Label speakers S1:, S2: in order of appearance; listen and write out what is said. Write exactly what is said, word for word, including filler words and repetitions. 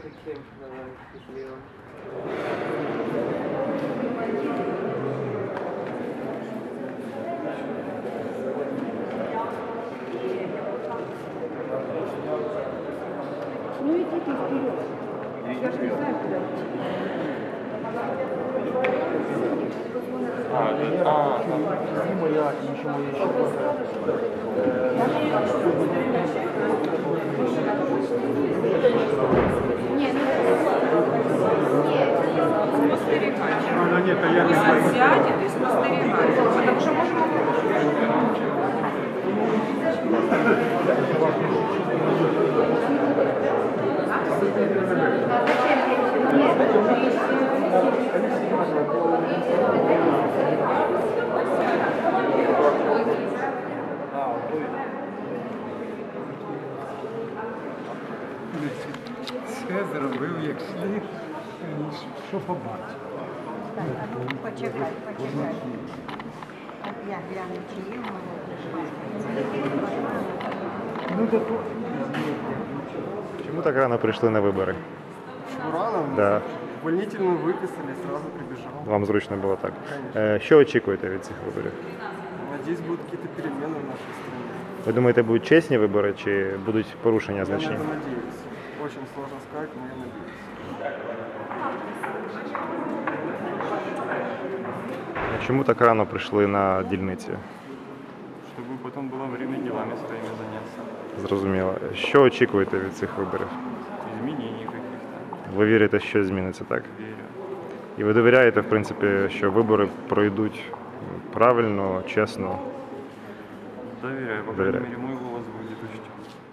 S1: таким, давай, счастливым.
S2: Ну иди ты вперед. Я же не знаю, куда идти.
S3: А, это- а, там.
S4: моя и еще моя еще
S2: Нет,
S5: Спостерігати.
S4: Она нет, а я не
S5: Пусть
S4: знаю.
S5: він сядет і спостерігає. Тому що можемо
S4: Все зробив, як слід, що побачив.
S6: Так, а ну почекай, почекай. Так, я гляну, чи є в мене.
S4: Ну, то то.
S3: Чому так рано прийшли на вибори?
S1: Рано?
S3: Да.
S1: Увольнительную выписали, сразу прибежал.
S3: Вам зручно було так.
S1: Конечно.
S3: Е, Що очікуєте від цих виборів?
S1: Надеюсь, будут какие-то перемены в нашей стране.
S3: Ви думаєте, будуть чесні вибори чи будуть порушення
S1: Я на
S3: значні?
S1: это надеюсь. Очень сложно сказать, но я надеюсь.
S3: Чому так рано прийшли на дільниці?
S7: Чтобы потом было время делами своими заняться.
S3: Зрозуміло. Що очікуєте від цих виборів?
S7: Изменений каких-то.
S3: Ви вірите, що зміниться, так?
S7: Верю.
S3: І ви довіряєте, в принципі, що вибори пройдуть правильно, чесно?
S7: Доверяю. По крайней
S3: Доверяю.
S7: мере, мой голос будет учтен.